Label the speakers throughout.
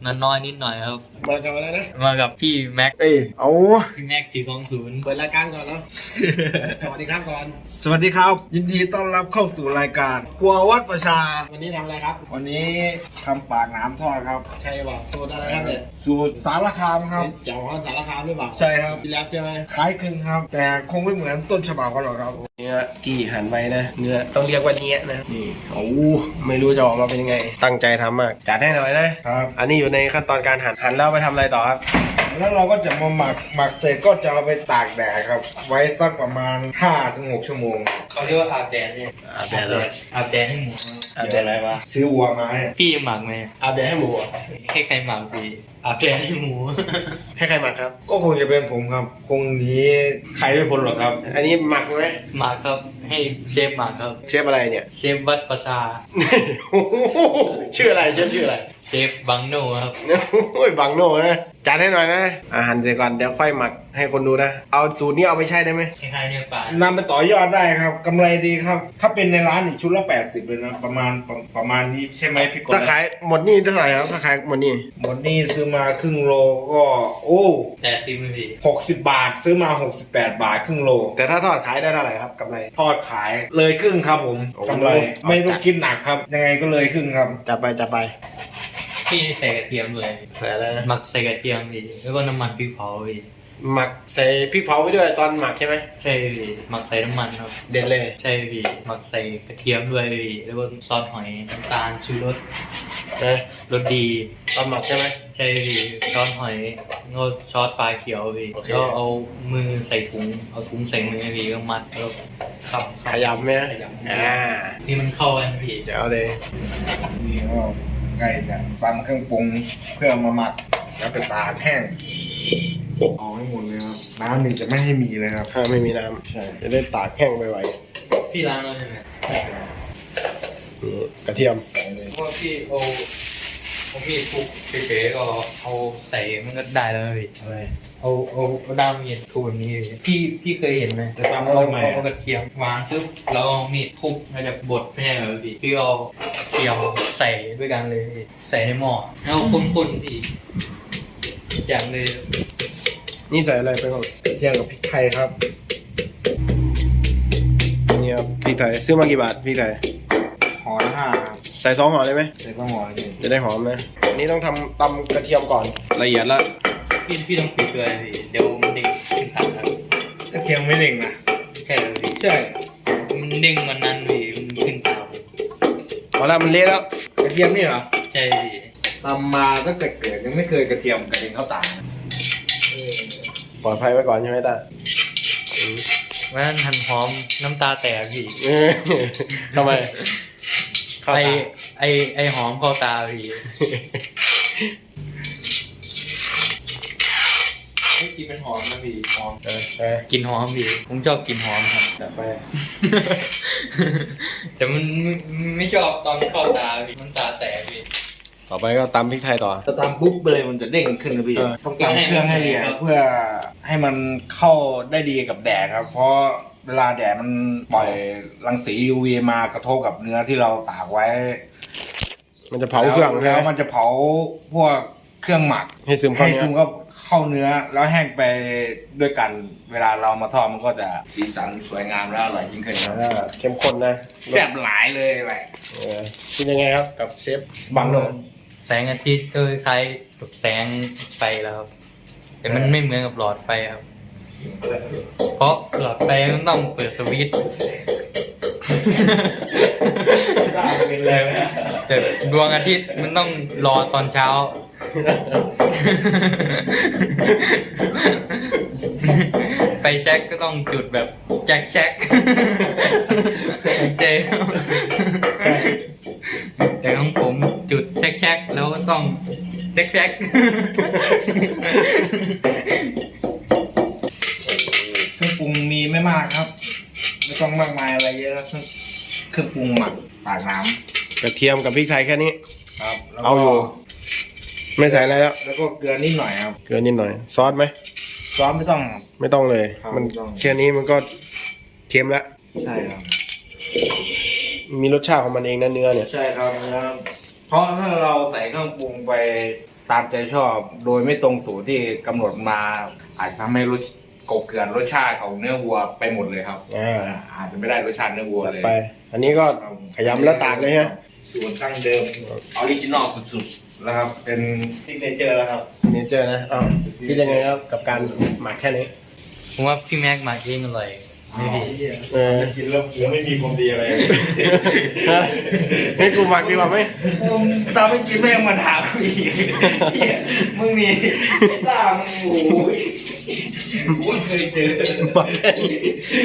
Speaker 1: น้อยนิดหน่อยครับ
Speaker 2: มากับอะไรนะ
Speaker 1: มากับพี่แม็ก
Speaker 2: เอา
Speaker 1: พี่แม็ก420
Speaker 2: เปิดรายการก่อนเนาะ สวัสดีครับก่อนสวัสดีครับยินดีต้อนรับเข้าสู่รายการครัววัดประชาวันนี้ทำอะไรครับวันนี้ทำปากน้ำทอดครับใช่ป่ะสูตรอะไรครับเนี่ยสูตรสารคามครับเจ้าของสารคามหรือเปล่าใช่ครับพี่แรปใช่ไหมคล้ายคลึงครับแต่คงไม่เหมือนต้นฉบับกันหรอกครับเนื้อกี่หั่นไว้นะเนื้อต้องเรียกว่าเนี้ยนะนี่โอ้ไม่รู้จะออกมาเป็นยังไงตั้งใจทำมากจัดให้หน่อยนะครับอันนี้อยู่ในขั้นตอนการหั่นแล้วไปทำอะไรต่อครับแล้วเราก็จะมาหมักเสร็จก็จะเอาไปตากแดดครับไว้สักประมาณ 5-6 ชั่วโมง
Speaker 1: เขาเรียกว่าอาบแดดใช่ไหมอาบแดดเลยอาบแดดให้หมู
Speaker 2: อาบแดดอะไรวะซื้อวัวมาให้
Speaker 1: พี่หมักไหม
Speaker 2: อาบแดดให้หมู
Speaker 1: ให้ใครหมักพี่อาบแดดให้หมู
Speaker 2: ให้ใครหมักครับก็คงจะเป็นผมครับคงหนีใครไม่พ้นหรอกครับอันนี้หมักไหม
Speaker 1: หมักครับให้เชฟหมักครับ
Speaker 2: เชฟอะไรเนี่ย
Speaker 1: เชฟวัดประชา
Speaker 2: ชื่ออะไรเชฟชื่ออะไร
Speaker 1: เชฟบังโน่ครับ
Speaker 2: โอ้ยบังโน่นะจัดให้หน่อยนะอาหารเสร็จก่อนเดี๋ยวค่อยหมักให้คนดูนะเอาสูตรนี้เอาไปใช้ได้ไหม
Speaker 1: คล้ายๆเนื้อปลาน
Speaker 2: ำไปต่อยอดได้ครับกำไรดีครับถ้าเป็นในร้านอีกชุดละ80เลยนะประมาณนี้ใช่ไหมพี่กบถ้าขายหมดนี่เท่าไหร่ครับถ้าขายหมดนี่ซื้อมาครึ่งโลก็โอ้
Speaker 1: 80ไม่พี่
Speaker 2: 60 บาทซื้อมา68 บาทครึ่งโลแต่ถ้าทอดขายได้เท่าไหร่ครับกำไรทอดขายเลยครึ่งครับผมกำไรไม่ต้องคิดหนักครับยังไงก็เลยครึ่งครับจัดไป
Speaker 1: พี่ใส่กระเทียมเลย
Speaker 2: ใส่อะไรนะ
Speaker 1: หมักใส่กระเทียมพี่แล้วก็น้ำมันพริกเผาพี่
Speaker 2: หมักใส่พริกเผาไปด้วยตอนหมักใช่ไหม
Speaker 1: ใช่พี่หมักใส่น้ำมันครับ
Speaker 2: เด็ดเลย
Speaker 1: ใช่พี่หมักใส่กระเทียมด้วยพี่แล้วก็ซอสหอยน้ำตาลชูรสรสดี
Speaker 2: ตอนหมักใช่ไหม
Speaker 1: ใช่พี่ซอสหอยงดซอสปลาเขียวพี่แล้วเอามือใส่ถุงเอาถุงใส่มือพี่ก็มัดแล้ว
Speaker 2: ขยำไหม
Speaker 1: นี่มันเข้ากันพี่
Speaker 2: เดี๋ยวเลยนี่ก็ใกล้จะตำเครื่องปรุงเพื่อมาหมักแล้วไปตากแห้งเอาให้หมดเลยครับน้ำนี่จะไม่ให้มีเลยครับถ้าไม่มีน้ำใช่จะได้ตากแห้งไปไว
Speaker 1: พี่ล้างแล้วใช่ไหม
Speaker 2: กระเทียม
Speaker 1: เพราะพี่เอามีดทุบเฉยๆก็เอาใส่มันก็ได้แล้วพี่
Speaker 2: อะไร
Speaker 1: เอาด้ามมีดทุบแบบนี้พี่เคยเห็นไหม
Speaker 2: จะทำอะไรใหม่
Speaker 1: เอากระเทียมวางซึบแล้วเอามีดทุบมันจะบดไม่ใช่เหรอพี่เอาเทียมใส่ด้วยกันเลยใส่ในหม้อแล้วคนๆพี่อย่างเลย
Speaker 2: นี่ใส่อะไรไปบ้างเทียมกับพริกไทยครับนี่ครับพริกไทยซื้อมากี่บาทพริกไทยห่อละ5ครับใส่2 ห่อเลยไหมใส่2 ห่อเลยจะได้หอมนะนี่ต้องตำกระเทียมก่อนละเอียดแล้ว
Speaker 1: พี่ต้องปิดด้วยพี่เดี๋ยวมันเด้งขึ้นทางครับ
Speaker 2: กระเทียมไม่เด้งนะ
Speaker 1: ใช่เลยพี่
Speaker 2: ใช่
Speaker 1: มันเด้งวันนั้นพี่มันขึ้นทาง
Speaker 2: พอแล้วมันเละแล้วกระเทียมนี่เหรอ
Speaker 1: ใช่พี่
Speaker 2: ทำมาตั้งแต่เกิดยังไม่เคยกระเทียมกระเด็นเข้าตาปลอดภัยไว้ก่อนใช่ไหมตา
Speaker 1: วันนั้นหั่นหอมน้ำตาแตกพี่
Speaker 2: ทำไม
Speaker 1: ไอหอมเข้าตาพี่กินเป็นหอมนะพี่หอมกินหอมพี่ผมชอบกินหอมครับ
Speaker 2: จัดไป
Speaker 1: แต่มันไม่ชอบตอนเข้าตาพี่มันตาแตกพี่
Speaker 2: ต่อไปก็ตำพริกไทยต่อ
Speaker 1: ถ้าตำปุ๊บเลยมันจะเด้งขึ้นนะพี่
Speaker 2: ต้องตำเครื่องให้ละเอียดเพื่อให้มันเข้าได้ดีกับแดดครับเพราะเวลาแดดมันปล่อยรังสี UV มากระทบกับเนื้อที่เราตากไว้มันจะเผาเครื่องแล้วมันจะเผาพวกเครื่องหมักให้ซึมเข้าเนื้อแล้วแห้งไปด้วยกันเวลาเรามาทอดมันก็จะสีสันสวยงามและอร่อยยิ่งขึ้นครับเข้มข้นนะแซ่บหลายเลยแหละเป็นยังไงครับกับเชฟบังโน
Speaker 1: แสงอาทิตย์ก็คล้ายกับแสงไฟแล้วครับแต่มันไม่เหมือนกับหลอดไฟครับเพราะหลอดไฟมันต้องเปิดสวิตช์แต่ดวงอาทิตย์มันต้องรอตอนเช้าไฟแช็กก็ต้องจุดแบบแจ็คเจแต่ของผมจุดแช็กแล้วก็ต้องแจ็ค
Speaker 2: เครื่องปรุงมีไม่มากครับไม่ต้องมากมายอะไรเยอะเครื่องปรุงหมักปากน้ำกระเทียมกับพริกไทยแค่นี้ครับเอาอยู่ไม่ใส่อะไรแล้วก็เกลือนิดหน่อยครับเกลือนิดหน่อยซอสไหมซอสไม่ต้องเลยมันแค่นี้มันก็เค็มแล้วใช่ครับมีรสชาติของมันเองนะเนื้อเนี่ยใช่ครับเนื้อเพราะถ้าเราใส่เครื่องปรุงไป
Speaker 3: ตามใจชอบโดยไม่ตรงสูตรที่กำหนดมาอาจจะทำให้รสกบเกลื่อนรสชาติของเนื้อวัวไปหมดเลยครับอาจจะไม่ได้รสชาติเนื้อวัวเลย
Speaker 2: ไป อันนี้ก็ขยำแล้วตากเลยฮะ
Speaker 3: สูตรตั้งเดิมออริจินอลสุดๆแล้วครับเป็นซิกเนเจอร์แล้วครับ
Speaker 2: เนเจอร์นะอ้าวคิดยังไงครับกับการหมักแค่นี้
Speaker 1: ผมว่าพี่แม็กมาเองอร่อยไม่ดี
Speaker 2: กินแล้วไม่มีความดีอะไรให้กูหมักดีกว่าไหม
Speaker 3: ตามไม่กินแม่งมาถามอีกมึงนี่ไอ้ตามึงโอ้ยกูเคยเจอ
Speaker 2: หมักแค่นี้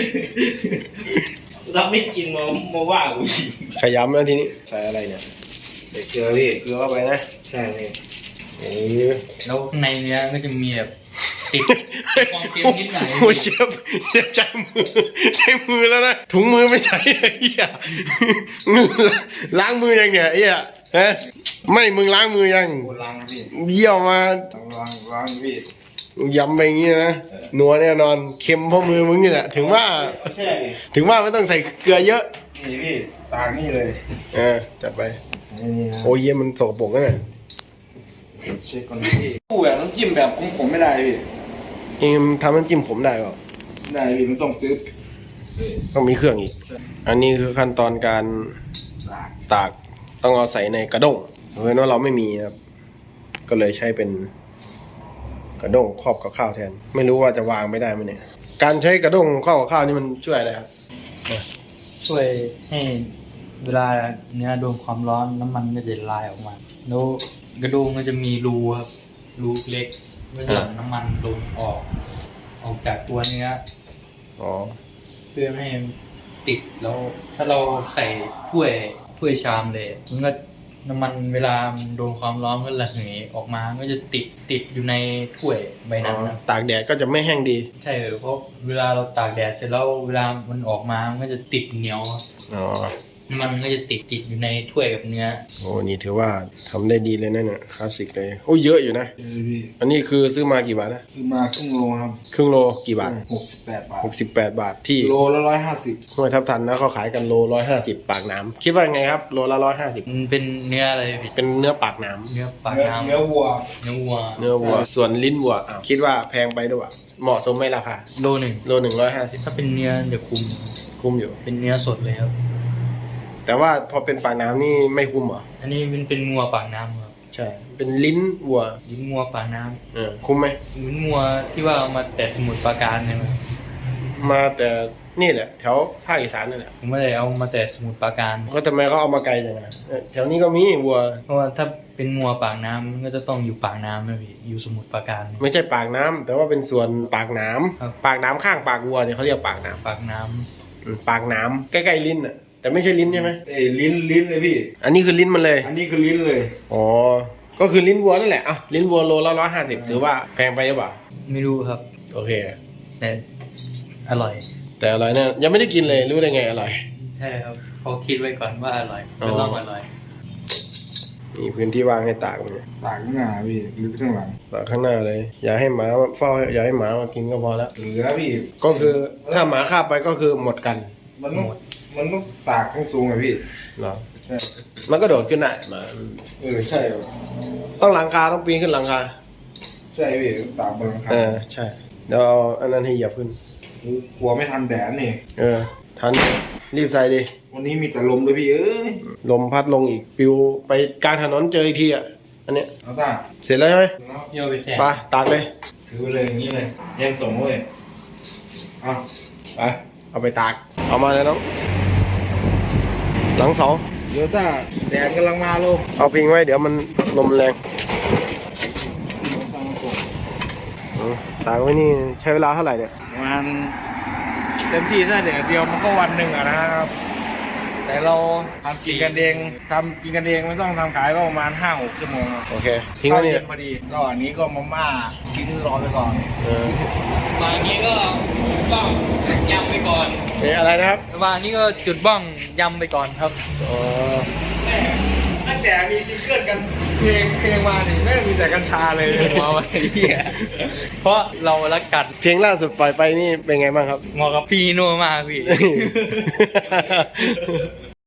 Speaker 3: เราไม่กินมาว่ากูอีก
Speaker 2: ขยำแล้วทีนี้ใส่อะไรเนี่ย
Speaker 3: เด็กเกลือพี่
Speaker 2: เกลือเข้าไปนะ
Speaker 3: ใช่พี่
Speaker 1: แล้วข้างในเนื้อก็จะมีแบบติดความเค็มนิดหน่อย
Speaker 2: โอ้ยเชฟใช้มือแล้วนะถุงมือไม่ใช้ไอ้เหี้ยล้างมือยังเนี่ยไอ้เหี้ยฮะไม่มึงล้างมือยัง
Speaker 3: กูล้างพี่
Speaker 2: เยี่ยวมา
Speaker 3: ล้างพี่
Speaker 2: ยำไปอย่างงี้นะนัวแน่นอนเค็มเพราะมือมึงนี่แหละถึงว่า
Speaker 3: แช่ดิ
Speaker 2: ถึงว่าไม่ต้องใส่เกลือเยอะ
Speaker 3: นี่พี่ตากนี่เลย
Speaker 2: จัดไป
Speaker 3: นี่นะ
Speaker 2: โอ้ยเยี่ยมันสกปรกนะเนี่ย
Speaker 3: เช็คก่อนพี่กูแบบน้ำจิ้มแบบของผมไม่ได้พี่
Speaker 2: เองทำน้ำจิ้มผมได้เปล่า
Speaker 3: ได้พี่มันต้องซื้อ
Speaker 2: ต้องมีเครื่องอีก อันนี้คือขั้นตอนการตากต้องเอาใส่ในกระด้งเพราะว่าเราไม่มีครับก็เลยใช้เป็นกระด้งครอบกับข้าวแทน ไม่รู้ว่าจะวางไม่ได้ไหมเนี่ยการใช้กระด้งครอบกับข้าวนี่มันช่วยอะไรครับ
Speaker 1: ช่วยให้เวลาเนื้อโดนความร้อนน้ำมันก็จะละลายออกมาแล้วกระดูกมันจะมีรูครับรูเล็กเมื่อหลั่งน้ำมันลงออกจากตัวเนื้อ
Speaker 2: อ๋อ
Speaker 1: เพื่อไม่ให้ติดแล้วถ้าเราใส่ถ้วยชามเลยมันก็น้ำมันเวลามันโดนความร้อนก็ระเหยออกมาก็จะติดอยู่ในถ้วยใบนั้นนะ
Speaker 2: ตากแดดก็จะไม่แห้งดี
Speaker 1: ใช่เพราะเวลาเราตากแดดเสร็จแล้วเวลามันออกมามันก็จะติดเหนียว
Speaker 2: อ๋อ
Speaker 1: มันก็จะติดอยู่ในถ้วยกับเนื้อ
Speaker 2: โอ้นี่ถือว่าทำได้ดีเลยนะเนี่ยคลาสสิกเลยโอ้เยอะอยู่นะ
Speaker 3: พี่
Speaker 2: อันนี้คือซื้อมากี่บาทนะ
Speaker 3: ซื้อมาครึ่งโลครับ
Speaker 2: ครึ่งโลกี่บาท
Speaker 3: 68 บาท
Speaker 2: 68 บาทที่
Speaker 3: โลละ150
Speaker 2: ห้วยทับทันนะเขาขายกันโล150ปากน้ำคิดว่าไงครับโลละ150
Speaker 1: มันเป็นเนื้ออะไรพี่
Speaker 2: เป็นเนื้อปากน้ำ
Speaker 1: เนื้อปากน้ำ
Speaker 3: เนื้อวัว
Speaker 1: เนื้อวัว
Speaker 2: เนื้อวัวส่วนลิ้นวัวอ้าวคิดว่าแพงไปด้วยวะเหมาะสมไหมราคา
Speaker 1: โลหนึ่ง
Speaker 2: โล150
Speaker 1: ถ้าเป็นเนื้อจะคุ้ม
Speaker 2: คุ้มอยู่
Speaker 1: เป็นเนื้อสดเลยครับ
Speaker 2: แต่ว่าพอเป็นปากน้ำนี่ไม่คุ้มเหรอ
Speaker 1: อันนี้เป็นงัวปากน้ำครับ
Speaker 2: ใช่ เป็นลิ้นวัว
Speaker 1: ลิ้นงัวปากน้
Speaker 2: คุ้มไหม
Speaker 1: ำลิ้นงัวที่ว่าเอามาแต่สมุทรปราการใช่ไหม
Speaker 2: มาแต่นี่แหละแถวภาคอีสานนั่นแหละ
Speaker 1: ผมไม่ได้เอามาแต่สมุทรปราการ
Speaker 2: ก็ทำไมเขาเอามาไกลจังอะแถวนี้ก็มีวัว
Speaker 1: เพราะว่าถ้าเป็นงัวปากน้ำมันก็จะต้องอยู่ปากน้ำนะพี่อยู่สมุทรปราการ
Speaker 2: ไม่ใช่ปากน้ำแต่ว่าเป็นส่วนปากหน้
Speaker 1: ครับ
Speaker 2: ำปากหน้ำข้างปากวัวเนี่ยเขาเรียกปากหน้
Speaker 1: ปากน้
Speaker 2: ำปากหน้ำใกล้ๆลิ้นอ่ะแต่ไม่ใช่ลิ้นใช่ไหม
Speaker 3: ลิ้นเลยพี่
Speaker 2: อันนี้คือลิ้นมันเลย
Speaker 3: อันนี้คือลิ้นเลย
Speaker 2: อ๋อก็คือลิ้นวัวนั่นแหละอ่ะลิ้นวัวโลละ150ถือว่าแพงไปหรือเปล่า
Speaker 1: ำไม่รู้ครับ
Speaker 2: โอเค
Speaker 1: แต่อร่อย
Speaker 2: แต่อร่อยเนี่ยยังไม่ได้กินเลยรู้ได้ไงอร่อย
Speaker 1: ใช่ครับเขาคิดไว้ก่อนว่าอร่อย
Speaker 2: อ๋อ
Speaker 1: ก็ต้องอร่อย
Speaker 2: มีพื้นที่ว่างให้ตากมันเนี่ย
Speaker 3: ตากข้างหน้าพี่หรือข้างหลัง
Speaker 2: ตากข้างหน้าเลย อย่าให้หมาเฝ้าอย่าให้หมามากินก็พอแล้ว
Speaker 3: เหลือพี่
Speaker 2: ก็คือถ้าหมาคาบไปก็คือหมดกัน
Speaker 3: มันต้องตากข้างสูงอะพี่
Speaker 2: เหรอ
Speaker 3: ใช่
Speaker 2: มันก็โดดขึ้นได้หมา
Speaker 3: ใช่
Speaker 2: ต้องหลังคาต้องปีนขึ้นหลังคา
Speaker 3: ใช่พี่ต้องตากบนหลังคา
Speaker 2: ใช่เดี๋ยวเอาอันนั้นให้เหยียบขึ้น
Speaker 3: กลัวไม่ทันแดดนี่
Speaker 2: ทันรีบใส่ดิ
Speaker 3: วันนี้มีแต่ลมด้วยพี่เอ้ย
Speaker 2: ลมพัดลงอีกปิวไปกลางถนนเจออีกทีอ่ะอันเนี้ย
Speaker 3: เอาตา
Speaker 2: เสร็จแล้วใช่ไหม
Speaker 1: เยี่ยวไปแทน
Speaker 2: ไปตากเลย
Speaker 3: ถือเลยอย่างนี้เลยแย่งส่งเลยเอาไป
Speaker 2: เอาไปตากเอามาเลยน้องหลังเสา
Speaker 3: เดี๋ยวตาแดดกำลังมาลูก
Speaker 2: เอาพิงไว้เดี๋ยวมันลมแรงตากไว้นี่ใช้เวลาเท่าไหร่เนี่ย
Speaker 3: ประมาณเต็มที่ถ้าแดดเดียวมันก็วันหนึ่งอะนะครับ แต่เราทำกินกันเองไม่ต้องทำขายก็ประมาณ 5-6 ชั่วโมงครับ
Speaker 2: โอเคทิ้งไว้นี่
Speaker 3: เย็นพอดีระหว่างนี้ก็มาม่ากินรอไปก่อน
Speaker 1: วางนี้ก็จุดบ้องยำไปก่อน
Speaker 2: อะไรนะครับ
Speaker 1: วางนี้ก็จุดบ้องยำไปก่อนครับ
Speaker 2: อ๋อ
Speaker 3: ตั้งแต่มีซิงเกิลกันเพลงมานี่ไม่มีแต่กัญชาเลย
Speaker 1: หัวไว้เหี้ยเพราะเรารักกัด
Speaker 2: เพลงล่าสุดปล่อยไปนี่เป็นไงบ้างครับ
Speaker 1: เหมาะกับพี่นัวมากพี่